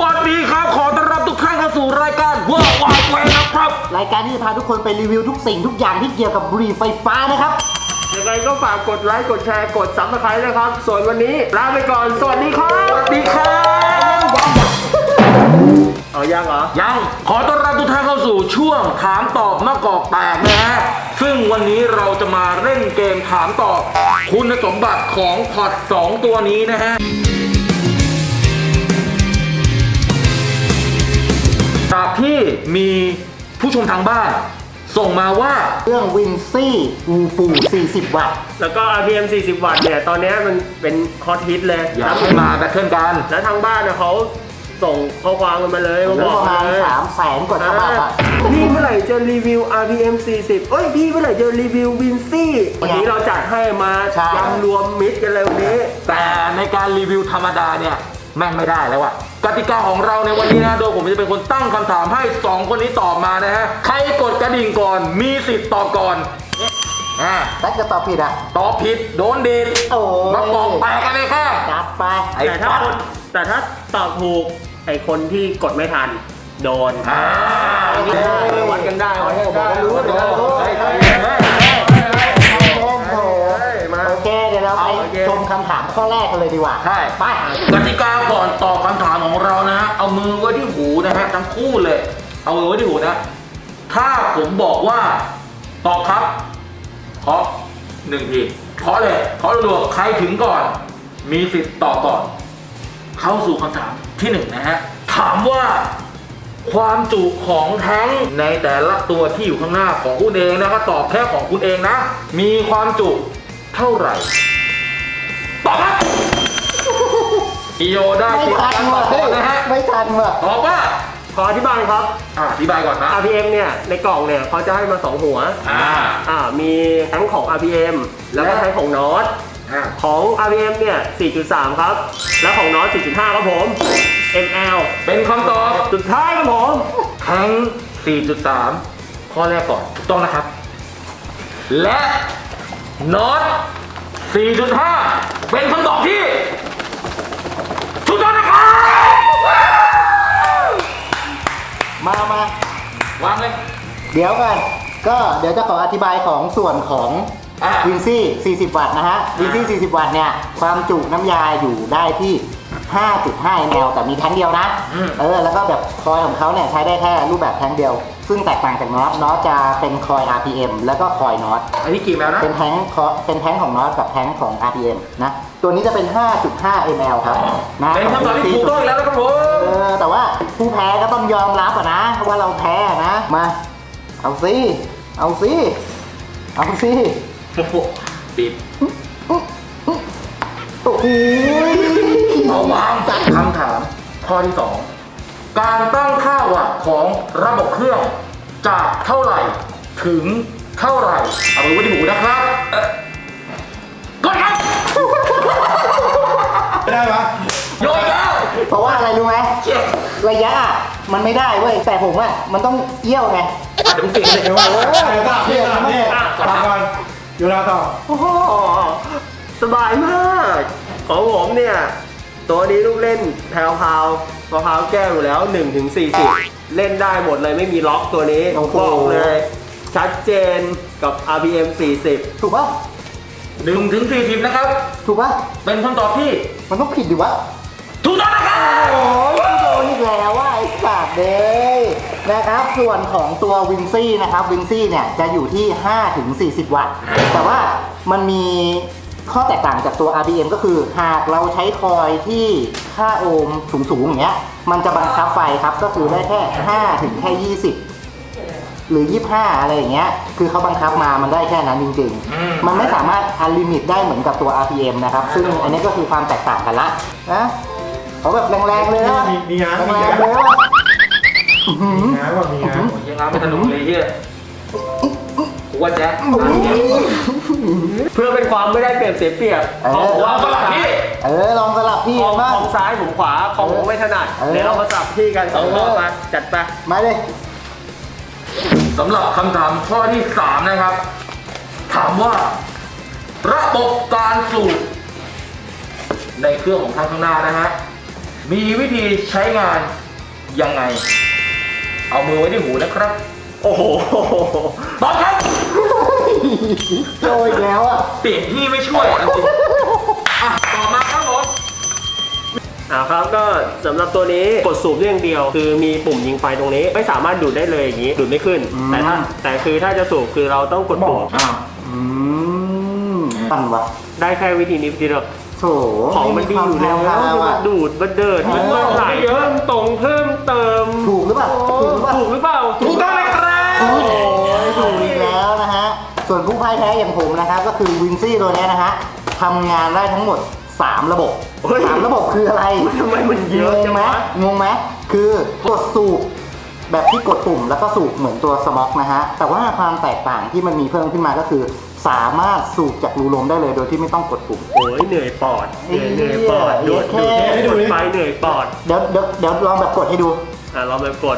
วัสดีครับขอต้อนรับทุกท่านเข้าสู่รายการว้าวว้าวแวนะครับรายการที่จะพาทุกคนไปรีวิวทุกสิ่งทุกอย่างที่เกี่ยวกับบุหรี่ไฟฟ้านะครับยังไงก็ฝากกดไลค์กดแชร์กดซับสไครต์นะครับส่วนวันนี้ลาไปก่อนสวัสดีครับสวัสดีครับเอายังเหรอยังขอต้อนรับทุกท่านเข้าสู่ช่วงถามตอบมะกอกแตกนะฮะซึ่งวันนี้เราจะมาเล่นเกมถามตอบคุณสมบัติของพอด2ตัวนี้นะฮะจากที่มีผู้ชมทางบ้านส่งมาว่าเครื่องวินซี่อูปู40 วัตต์แล้วก็ RPM 40 วัตต์เนี่ยตอนนี้มันเป็นฮอตฮิตเลยอยากให้มาแบทเทิลกันแล้วทางบ้านเนี่ยเขาส่งข้อความกันมาเลยมาบอกประมาณ300,000 กว่าฉบับอะพี่เมื่อไหร่จะรีวิว RPM 40เอ้ยพี่เมื่อไหร่จะรีวิววินซี่วันนี้เราจัดให้มายำรวมมิตรกันเลยวันนี้แต่ในการรีวิวธรรมดาเนี่ยแม่งไม่ได้แล้วอะกติกาของเราในวันนี้นะโดยผมจะเป็นคนตั้งคำถามให้2คนนี้ตอบมานะฮะใครกดกระดิ่งก่อนมีสิทธิ์ตอบก่อนถ้าจะตอบผิดอะตอบผิดโดนดีดมากองแตกกันเลยค่ะจัดไปแต่ถ้าตอบถูกไอ้คนที่กดไม่ทันโดนวัดกันได้วัดกันได้รู้โอเคเดี๋ยวเราไปชมคำถามข้อแรกกันเลยดีกว่าใช่ไปกติกาก่อนตอบคำถามของเรานะฮะเอามือไว้ที่หูนะฮะทั้งคู่เลยเอามือไว้ที่หูนะถ้าผมบอกว่าตอบครับเคาะ1 ทีเคาะเลยเคาะรัวๆใครถึงก่อนมีสิทธิ์ตอบก่อนเข้าสู่คำถามที่1นะฮะถามว่าความจุของแท้งในแต่ละตัวที่อยู่ข้างหน้าของคุณเองนะครับตอบแค่ของคุณเองนะมีความจุเท่าไหร่ตอบครับอีโยได้ไม่ทันว่ะนะฮะไม่ทันว่ะตอบว่าขออธิบายครับอธิบายก่อนนะ RPM เนี่ยในกล่องเนี่ยเขาจะให้มา2หัวมีทั้งของ RPM แล้วก็ทั้งของน็อตของ RPM เนี่ย 4.3 ครับแล้วของน็อต 4.5 ครับผม ml เป็นคำตอบสุดท้ายครับผมแท้ง 4.3 ข้อแรกก่อนถูกต้องนะครับและน็อต 4.5 เป็นคำตอบที่ถูกต้องนะครับมวางเลยเดี๋ยวกันก็เดี๋ยวจะขออธิบายของส่วนของวินซี่40 วัตต์นะฮะวินซี่40 วัตต์เนี่ยความจุน้ำยาอยู่ได้ที่ 5.5 ml แต่มีแท้งเดียวนะแล้วก็แบบคอยของเขาเนี่ยใช้ได้แค่รูปแบบแท้งเดียวซึ่งแตกต่างจากน็อตจะเป็นคอย RPM แล้วก็คอยน็อตอันนี้กี่แมวนะเป็นแท้งของน็อตกับแท้งของ RPM นะตัวนี้จะเป็น 5.5 ml ครับนะเป็นคำตอบที่ถูกต้องแล้วนะครับผมแต่ว่าผู้แพ้ก็ต้องยอมรับนะว่าเราแพ้นะมาเอาสิปิดโอ้โหเอาวางคำถามข้อที่2การตั้งค่าวัตต์ของระบบเครื่องจากเท่าไหร่ถึงเท่าไหร่เอาไว้ที่หูนะครับกดครับไม่ได้ปะโยนแล้วเพราะว่าอะไรรู้ไหมระยะมันไม่ได้เว้ยแต่ผมมันต้องเอี้ยวไงเดี๋ยวเก่งเลยพี่ตอบก่อนอยู่แล้วต่อโอ้โหสบายมากของผมเนี่ยตัวนี้ลูกเล่นแพรวพาวมะพร้าวแก้วอยู่แล้ว1-40เล่นได้หมดเลยไม่มีล็อกตัวนี้บอกเลยชัดเจนกับ RPM 40 ถูกป่ะ 1-40นะครับถูกป่ะเป็นคำตอบที่มันต้องผิดดิวะถูกต้องนะครับโอ้ยโดนอีกแล้วว่าไอ้สัตว์เลยนะครับส่วนของตัววินซี่นะครับวินซี่เนี่ยจะอยู่ที่ 5-40 วัตต์แต่ว่ามันมีข้อแตกต่างจากตัว RPM ก็คือหากเราใช้คอยที่ค่าโอห์มสูงๆอย่างเงี้ยมันจะบังคับไฟครับก็คือได้แค่5 ถึงแค่20หรือ25อะไรอย่างเงี้ยคือเขาบังคับมามันได้แค่นั้นจริงๆมันไม่สามารถอันลิมิตได้เหมือนกับตัว RPM นะครับซึ่งอันนี้ก็คือความแตกต่างกันละนะเขาแบบแรงๆเลยนะมีงานแรงๆเลยว่ามีงานยังงานไม่สนุกเลยที่ว่าแจ๊เพื่อเป็นความไม่ได้เปรียบเสียเปรียบลองสลับพี่ลองสลับพี่มากของซ้ายผมขวาของผมไม่ถนัดเดี๋ยวเรามาสลับที่กัน2 รอบมาจัดไปมาเลยสำหรับคำถามข้อที่3นะครับถามว่าระบบการสูบในเครื่องของทางข้างหน้านะฮะมีวิธีใช้งานยังไง เอามือไว้ที่หูนะครับโอ้โหตอบครับโจอีกแล้วอ่ะเปลี่ยนที่ไม่ช่วยจริงๆอ่ะต่อมาครับผมครับก็สำหรับตัวนี้กดสูบได้อย่างเดียว คือมีปุ่มยิงไฟตรงนี้ไม่สามารถดูดได้เลยอย่างนี้ดูดไม่ขึ้น แต่คือถ้าจะสูบคือเราต้องกดปุ่มอ้าวปั่นวะได้แค่วิธีนี้วิธีเดียวโถของมันดีอยู่แล้วไม่มีความแพรวๆมาอะดูดมาเดินมันมาไหลเพิ่มตรงเพิ่มเติมถูกหรือเปล่าถูกหรือเปล่าถูกหรือเปล่าถูกต้องเลยครับโอ้ยถูกอีกแล้วนะฮะ ส่วนผู้พ่ายแพ้อย่างผมนะครับ ก็คือวินซี่ตัวนี้นะฮะทำงานได้ทั้งหมด 3 ระบบ 3 ระบบคืออะไรทำไมมันเยอะงจังงไหมวะงงไหมคือกดสูบแบบที่กดปุ่มแล้วก็สูบเหมือนตัวสม็อกนะฮะ แต่ว่าความแตกต่างที่มันมีเพิ่มขึ้นมาก็คือ สามารถสูบจากรูลมได้เลยโดยที่ไม่ต้องกดปุ่มโอ้ยเหนื่อยปอดเหนื่อยปอดดูดไฟเหนื่อยปอดเดี๋ยวลองแบบกดให้ดูเราไปกด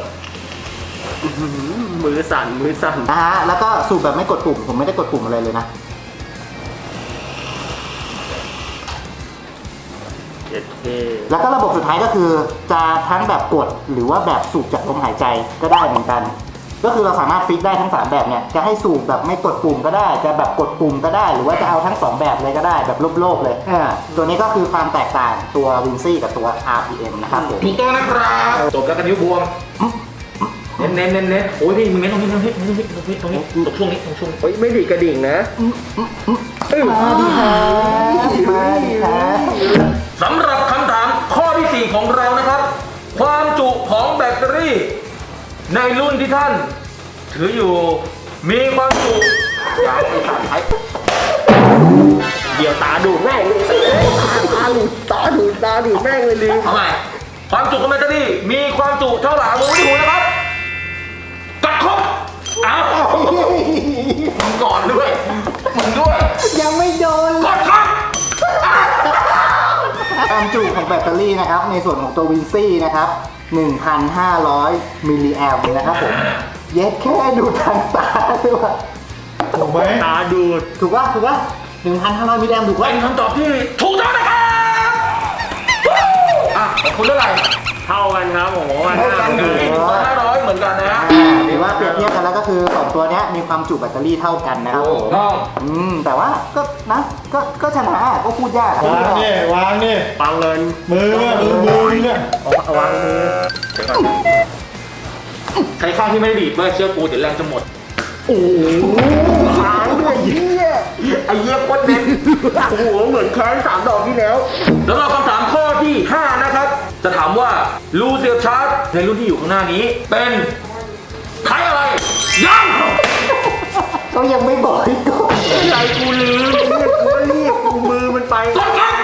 มือสั่นมือสั่นนะฮะ แล้วก็สูบแบบไม่กดปุ่ม ผมไม่ได้กดปุ่มอะไรเลยนะ แล้วก็ระบบสุดท้ายก็คือจะทั้งแบบกดหรือว่าแบบสูบจากลมหายใจก็ได้เหมือนกัน ก็คือเราสามารถฟิกได้ทั้ง3แบบเนี่ยจะให้สูบแบบไม่กดปุ่มก็ได้จะแบบกดปุ่มก็ได้ หรือว่าจะเอาทั้ง2แบบเลยก็ได้แบบโลกๆเลยตัวนี้ก็คือความแตกต่างตัววินซี่กับตัว RPM นะครับผมถูกต้องนะครับจบแล้วกันนิ้วบวมเน้นโอ้ยพี่มึงเน้นตรงนี้ตรงนี้ตรงช่วงนี้เฮ้ยไม่ดีกระดิ่งนะมาดีครับมาดีครับสำหรับคำถามข้อที่ 4 ของเรานะครับ ความจุของแบตเตอรี่ในรุ่นที่ท่าน ถืออยู่มีความจุอย่างไอ้สารใช้เดี๋ยวตาดูดแม่งเลยตาดูดแม่งเลยลืมทำไมความจุของแบตเตอรี่มีความจุเท่าไหร่มือที่หูนะครับกัดครบอ้าวมึงก่อนด้วยมึงด้วยยังไม่โดนกดครับความจุของแบตเตอรี่นะครับในส่วนของตัววินซี่นะครับ 1,500 มิลลิแอมป์นะครับผมเย็ดแค่ดูทางตาด้วยว่ะถูกไหมตาดูดถูกป่ะ 1,500 มิลลิแอมป์ถูกป่ะเป็นคำตอบที่ถูกต้องนะครับอ่ะของคุณเท่าไหร่เท่ากันครับผมว่าเท่ากันอยู่ 500เหมือนกันนะหรือว่าเปรียบเทียบกันแล้วก็คือ2ตัวเนี้ยมีความจุแบตเตอรี่เท่ากันนะครับผมต้องแต่ว่าก็ชนะก็พูดยากวางนี่วางนี่ปังเงินมือเนี่ยเอาวางมือใช้ข้างที่ไม่ได้ดีดเมื่อเชื่อกูเดี๋ยวแรงจะหมดโอ้โหค้างด้วยเหี้ยไอ้เยี่ยโคตรเน้นโอ้โหเหมือนแค้น3 ดอกที่แล้วสำหรับคำถามข้อที่ 5 นะครับ จะถามว่ารูเสียบชาร์จในรุ่นที่อยู่ข้างหน้านี้ เป็นใช้อะไร ยังก็ยังไม่บอกอีกก่อนอะไรกูลืมกูรีบกูมือมันไปกดครับ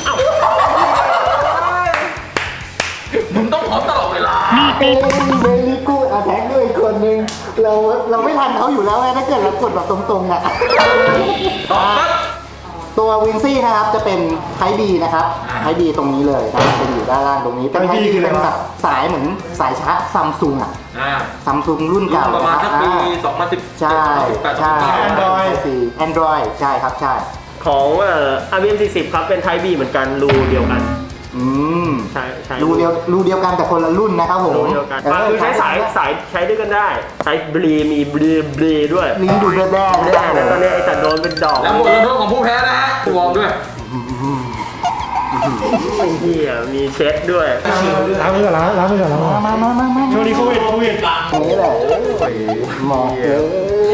มึงต้องพร้อมตลอดเวลาเบลลี่กูอาแท็กด้วยอีกคนนึงเราไม่ทันเขาอยู่แล้วไงถ้าเกิดเรากดแบบตรงๆอ่ะตอบครับตัววินซี่นะครับจะเป็นไทป์ B นะครับไทป์ B ตรงนี้เลยนะเป็นอยู่ด้านล่างตรงนี้เป็นไทป์ B เป็นแบบสายเหมือนสายชาร์จซัมซุงอ่ะซัมซุงรุ่นเก่าประมาณสักปีใช่ใช่ 2017 Android ใช่ครับใช่ของRBM 40ครับเป็น Type B เหมือนกันรูเดียวกัน ใช่รูเดียวกันแต่คนละรุ่นนะครับผมรูเดียวกันคือใช้สายใช้ด้วยกันได้ใช้บลีมีบลีด้วยลิ้นดูแด้ๆแน่แล้วตอนนี้ไอ้จัดโดนเป็นดอกแล้วบทลงโทษของผู้แพ้นะฮะวอร์มด้วยไอ้เหี้ยมีเช็ดด้วยล้างมือก่อนล้างมือก่อนมาช่วงนี้โควิดนี่แหละหมอเอ้ย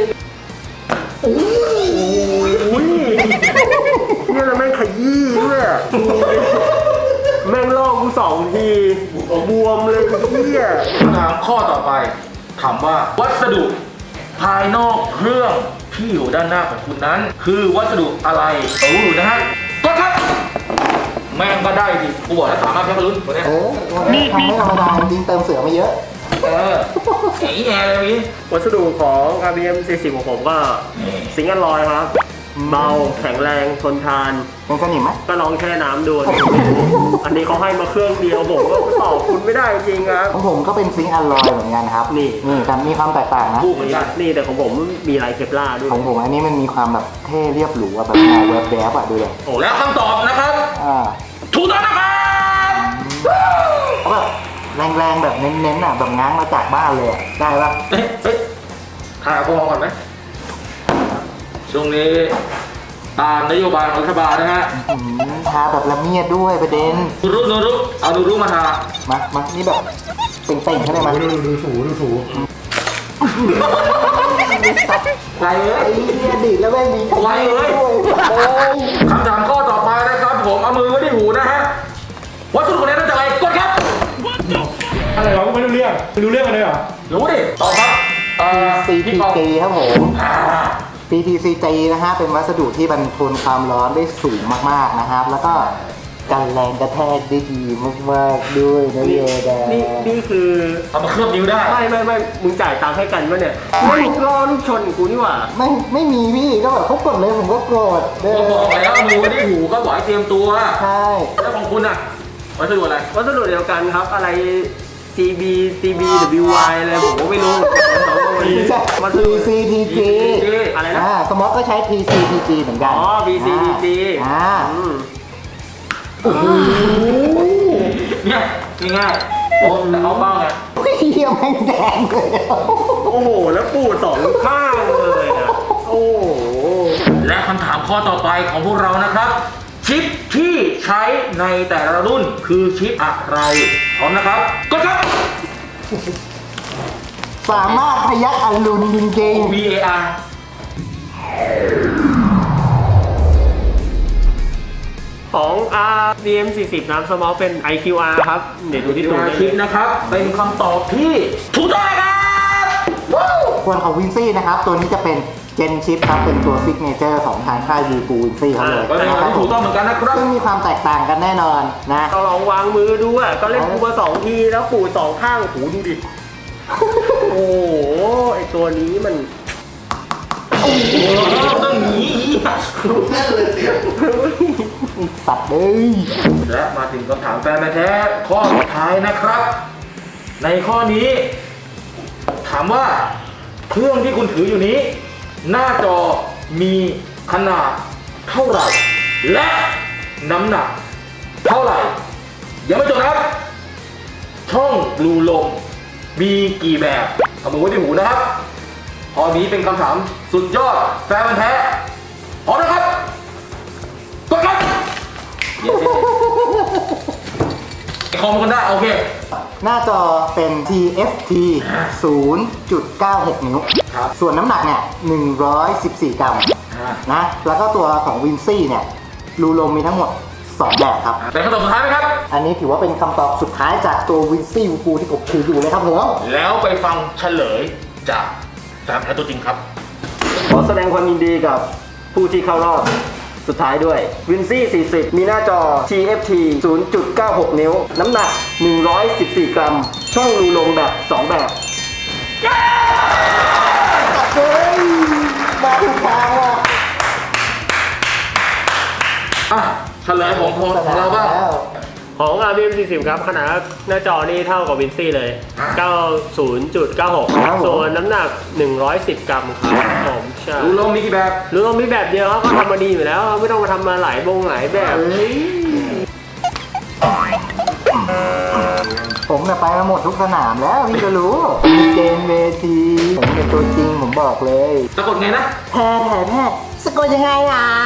อุ้ยเนี่ยแล้วแม่งขยี้ด้วยแม่งลอกกู2 ทีบวมเลยเหี้ยคำถามข้อต่อไป ถามว่าวัสดุภายนอกเครื่องที่อยู่ด้านหน้าของคุณนั้น คือวัสดุอะไรนะฮะก็ครับ แม่งก็ได้สิกูบอกแล้วสามารถแค่ลุ้นตัวเนี้ยวันนี้ทำไม่ธรรมดาจริงเติมเสือมาเยอะไอ้แง่เลยพี่วัสดุของ RBM 40ของผมก็ซิงค์อลลอยครับเบาแข็งแรงทนทานเป็นสนิมไหมก็ลองแช่น้ำดู อันนี้เขาให้มาเครื่องเดียวผมก็ตอบคุณไม่ได้จริงครับของผมก็เป็นซิงค์อลลอยเหมือนกันครับนี่แต่มีความแตกต่างนะคู่เหมือนกันนี่แต่ของผมมีลายเคปลาร์ด้วยของผมอันนี้มันมีความแบบเท่เรียบหรูอะแบบแนวแวบๆอะดูเลยแล้วคำตอบนะครับอ่าถูกต้องนะครับแรงๆแบบเน้นๆอ่ะแบบง้างมาจากบ้านเลยอะได้ปะเฮ้ยถ่ายเอาพอก่อนไหมช่วงนี้ตามนโยบายของรัฐบาลนะฮะทาแบบละเมียดด้วยประเด็นนูรุเอานูรุมาทามานี่แบบเป่งๆใช่ไหมมาดูถูไปเลไอ้ยเนี่ยดีดแล้วไม่มีใครไวเลยด้วยคำถามข้อต่อไปนะครับผมเอามือไว้ที่หูนะฮะวัตถุคะแนนตั้งใจกดครับอะไรวะไม่รู้เรื่องกันเลยเหรอรู้ดิตอบครับพี่ปอง CTG ครับผม PTCG นะฮะเป็นวัสดุที่บรรทนความร้อนได้สูงมากๆนะครับ แล้วก็กันแรงกระแทกได้ดีมากๆด้วยนะโยดานี่คือเอามาเคลือบนิ้วได้ไม่มึงจ่ายตังค์ให้กันปะเนี่ยไม่รอลูกชนกูนี่หว่าไม่มีพี่ก็แบบเขากดเลยผมก็กดเด้ผมบอกแล้วเอามือไว้ที่หูก็บอกให้เตรียมตัวใช่แล้วของคุณอ่ะวัสดุอะไรวัสดุเดียวกันครับอะไร CBWY อะไรผมก็ไม่รู้ใช่มันคือ PCTG อะไรนะสมอก็ใช้ PCTG เหมือนกันอ๋อ PCTG อืมเนี่ยง่ายๆผมแต่เอาเป้าไงเฮียแม่งแดงเลยโอ้โห แล้วปูดสองข้างเลยนะโอ้โหและคำถามข้อต่อไปของพวกเรานะครับ ชิปที่ใช้ในแต่ละรุ่นคือชิปอะไรพร้อมนะครับกดครับสามารถพยักอรุณจริง VAR ของ RDM 40น้ำสมอลเป็น IQR ครับ เดี๋ยวดูที่ตัว VAR ได้ชิปนะครับเป็นคำตอบที่ถูกต้องครับว้าวๆส่วนของวินซี่นะครับ ตัวนี้จะเป็นเจนชิปครับ เป็นตัวซิกเนเจอร์ของทางค่ายวีปูวินซี่เขาเลยก็เป็นนะคคำรับที่ถูกต้องเหมือนกันนะครับซึ่งมีความแตกต่างกันแน่นอนนะเราลองวางมือดูอ่ะ ก็เล่นปูมา2 ทีแล้วปูดสองข้างหูดูดิ โอ้โห ไอตัวนี้มันต้องหนีสัตว์เลยและมาถึงคำถามแฟนแท้ข้อสุดท้ายนะครับ ในข้อนี้ถามว่าเครื่องที่คุณถืออยู่นี้ หน้าจอมีขนาดเท่าไหร่ และน้ำหนักเท่าไหร่ยังไม่จบนะครับ ช่องรูลมมีกี่แบบเอามือไว้ที่หูนะครับข้อนี้เป็นคำถามสุดยอดแฟนพันธุ์แท้พร้อมนะครับกดครับคอมกันได้โอเคหน้าจอเป็น TFT 0.96 นิ้วครับส่วนน้ำหนักเนี่ย114 กรัมนะ แล้วก็ตัวของวินซี่เนี่ยรูลมมีทั้งหมด 2 แบบครับเป็นคำตอบสุดท้ายไหมครับอันนี้ถือว่าเป็นคำตอบสุดท้ายจากตัววินซี่วูปูที่ผมถืออยู่เลยครับผมแล้วไปฟังเฉลยจากแฟนแท้ตัวจริงครับขอแสดงความยินดีกับผู้ที่เข้ารอบสุดท้ายด้วย วินซี่ 40 มีหน้าจอ TFT 0.96 นิ้ว น้ำหนัก 114 กรัม ช่องรูลมแบบ 2 แบบเฮ้ย มาถูกทางว่ะอ่ะเฉลยของเราบ้างแล้วของ RBM 40 ครับ ขนาดหน้าจอนี่เท่ากับวินซี่เลย 90.96 ส่วนน้ำหนัก 110 กรัมครับผมใช่รูลมมีกี่แบบรู้ต้องมีแบบเดียวเขาก็ทำมาดีอยู่แล้ว ไม่ต้องมาทำมาหลายหลายแบบผมเนี่ยไปมาหมดทุกสนามแล้วพี่ก็รู้มีเกมเวทีผมเป็นตัวจริงผมบอกเลยสะกดไงนะแพ้สะกดยังไงอ่ะ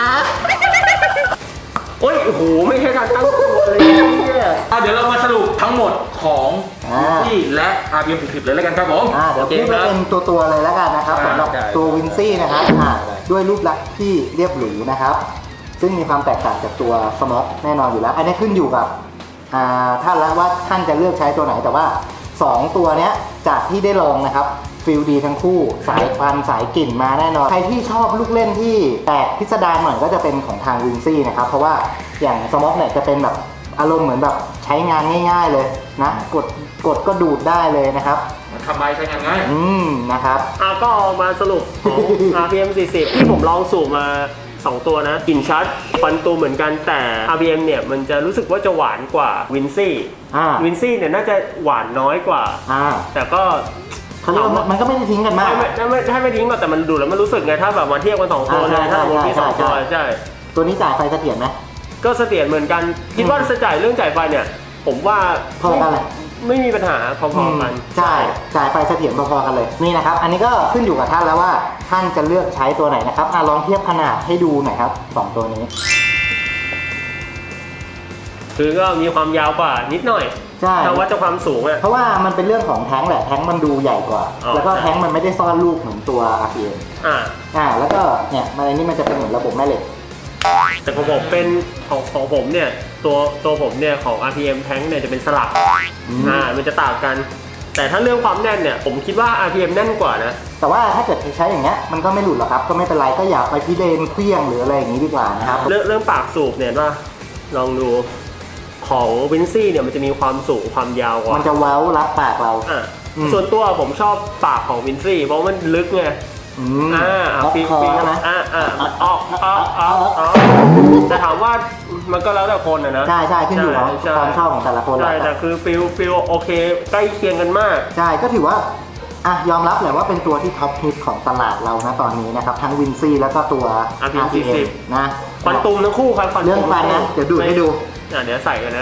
โอ้ยโอ้โห ไม่ใช่การตั้งตัวเลยเนี่ยเดี๋ยวเรามาสรุปทั้งหมดของที่และ RPM 40เลยแล้วกันครับผมเดี๋ยวโอเคพูดคไปรับเป็นตัวๆเลยแล้วกันนะครับได้สำหรับได้ตัววินซี่นะครับด้วยรูปลักษณ์ที่เรียบหรูนะครับ ซึ่งมีความแตกต่างจากตัวสม็อกแน่นอนอยู่แล้ว อันนี้ขึ้นอยู่กับท่านแล้วว่าท่านจะเลือกใช้ตัวไหนแต่ว่า 2 ตัวเนี้ยจากที่ได้ลองนะครับฟิลดีทั้งคู่สายควันสายกลิ่นมาแน่นอน ใครที่ชอบลูกเล่นที่แปลกพิสดารหน่อยก็จะเป็นของทางวินซี่นะครับเพราะว่าอย่างสม็อกเนี่ยจะเป็นแบบอารมณ์เหมือนแบบใช้งานง่าย ๆเลยนะกดก็ดูดได้เลยนะครับมันทำไมใช้งานง่ายนะครับก็มาสรุปของ RPM 40 ที่ผมลองสูบมา 2 ตัวนะกลิ่นชัดฟันตูเหมือนกันแต่ RPM เนี่ยมันจะรู้สึกว่าจะหวานกว่าวินซี่ วินซี่เนี่ยน่าจะหวานน้อยกว่า แต่ก็เขาเรียกว่ามันก็ไม่ได้ทิ้งกันมากไม่ทิ้งหรอกแต่มันดูแล้วมันรู้สึกไงถ้าแบบมาเทียบกัน2 ตัวเลยถ้าผมมี2 ตัวใช่ตัวนี้จ่ายไฟเสถียรไหมก็เสถียรเหมือนกันคิดว่าจะจ่ายเรื่องจ่ายไฟเนี่ยผมว่าเท่ากันแหละไม่มีปัญหาพอๆกันใช่จ่ายไฟเสถียรพอๆกันเลยนี่นะครับอันนี้ก็ขึ้นอยู่กับท่านแล้วว่าท่านจะเลือกใช้ตัวไหนนะครับลองเทียบขนาดให้ดูหน่อยครับ2ตัวนี้คือก็มีความยาวกว่านิดหน่อยใช่ถ้าวัดจากความสูงอะเพราะว่ามันเป็นเรื่องของแท้งแหละแท้งมันดูใหญ่กว่าอ๋อแล้วก็แท้งมันไม่ได้ซ่อนลูกเหมือนตัว RPM แล้วก็เนี่ยอันนี้มันจะเป็นเหมือนระบบแม่เหล็กแต่ของผมเป็นของผมเนี่ยตัวผมเนี่ยของ RPM Tank เนี่ยจะเป็นสลักมันจะต่างกัน แต่ถ้าเรื่องความแน่นเนี่ยผมคิดว่า RPM แน่นกว่านะแต่ว่าถ้าเกิดใช้อย่างเงี้ยมันก็ไม่หลุดหรอกครับก็ไม่เป็นไรก็อย่าไปพิเรนเคลี้ยงหรืออะไรอย่างนี้ดีกว่านะครับเรื่องปากสูบเนี่ยว่าลองดูของวินซี่เนี่ยมันจะมีความสูงความยาวกว่ามันจะเว้ารับปากเราส่วนตัวผมชอบปากของวินซี่เพราะมันลึกไงล็อกคอใช่ไหมออกแต่ถามว่ามันก็แล้วแต่คนนะใช่ขึ้นอยู่กับความชอบของแต่ละคนใช่แต่คือฟิลโอเคใกล้เคียงกันมากใช่ก็ถือว่ายอมรับแหละว่าเป็นตัวที่ท็อปฮิตของตลาดเรานะตอนนี้นะครับทั้งวินซี่แล้วก็ตัว RPM นะควันตุมทั้งคู่ครับเรื่องฟันนะเดี๋ยวดูดให้ดูเดี๋ยวใส่กันนะ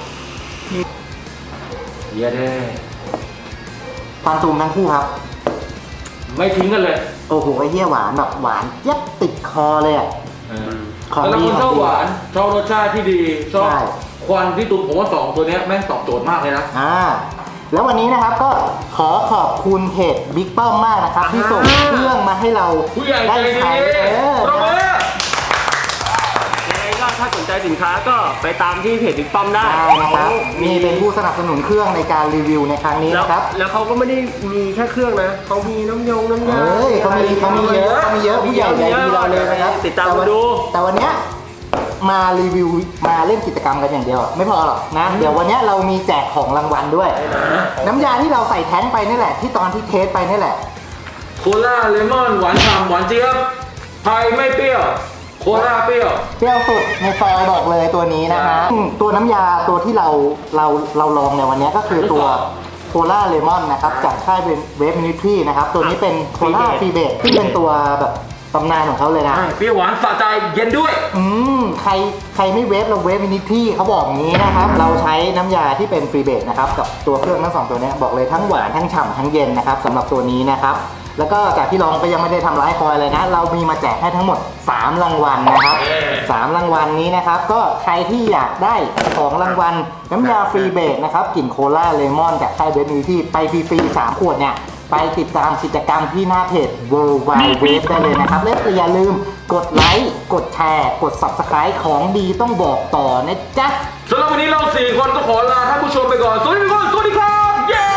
เย้เด้ฟันซูมทั้งคู่ครับไม่ทิ้งกันเลยโอ้โหไอ้เหี้ยหวานแบบหวานเจี๊ยบติดคอเลยอ่ะ ของแต่ละดีคนชอบหวานชอบรสชาติที่ดีชอบใช่ควันที่ตุนผมว่าสองตัวเนี้ยแม่งตอบโจทย์มากเลยนะแล้ววันนี้นะครับก็ขอขอบคุณเพจบิ๊กเปิ้มมากนะครับที่ส่งเครื่องมาให้เราผู้ใหญ่ใจได้ดีใช้ปรบมือยังไงก็ถ้าสนใจสินค้าก็ไปตามที่เพจบิ๊กป้อมได้ได้นะครับนี่เป็นผู้สนับสนุนเครื่องในการรีวิวในครั้งนี้นะครับแล้วเขาก็ไม่ได้มีแค่เครื่องนะเขามีน้ำยาเขามีเยอะผู้ใหญ่ใจดีเราเลยนะครับติดตามมาดูแต่วันเนี้ยมารีวิวมาเล่นกิจกรรมกันอย่างเดียวไม่พอหรอกนะเดี๋ยววันเนี้ยเรามีแจกของรางวัลด้วย น้ำยาที่เราใส่แท้งไปนี่แหละที่ตอนที่เทสไปนี่แหละโคลาเลมอนหวานฉ่ำหวานเจี๊ยบไทยไม่เปรี้ยวโคลาเปรี้ยวเปรี้ยวสุดในซอยบอกเลยตัวนี้นะฮะตัวน้ำยาตัวที่เราลองในวันนี้ก็คือตัวโคลาเลมอนนะครับจากค่ายเป็นเวฟมินิทรีนะครับตัวนี้เป็นโคลาฟรีเบทที่เป็นตัวแบบตำนานของเขาเลยนะเปรี้ยวหวานสะใจเย็นด้วยใครไม่เวฟเราเวฟมินิทรีเขาบอกอย่างนี้นะครับเราใช้น้ำยาที่เป็นฟรีเบทนะครับกับตัวเครื่องทั้งสองตัวนี้บอกเลยทั้งหวานทั้งฉ่ำทั้งเย็นนะครับสำหรับตัวนี้นะครับแล้วก็จากที่ลองก็ยังไม่ได้ทำร้ายคอยเลยนะเรามีมาแจกให้ทั้งหมด3รางวัลนะครับ3รางวัลนี้นะครับก็ใครที่อยากได้ของรางวัลน้ำยาฟรีเบทนะครับกลิ่นโคลาเลมอนจากค่ายเวฟมินิทรีไปฟรีๆ3ขวดเนี่ยไปติดตามกิจกรรมที่หน้าเพจ World Wide Web ได้เลยนะครับและอย่าลืมกดไลค์กดแชร์กด Subscribe ของดีต้องบอกต่อนะจ๊ะสำหรับวันนี้เรา4คนก็ขอลาท่านผู้ชมไปก่อนสวัสดีทุกคนสวัสดีครับเย้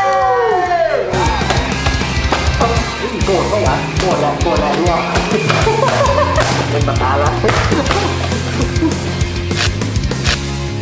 โกรธก็หวะโกรธแหละเนี่ยเป็นปากกาละ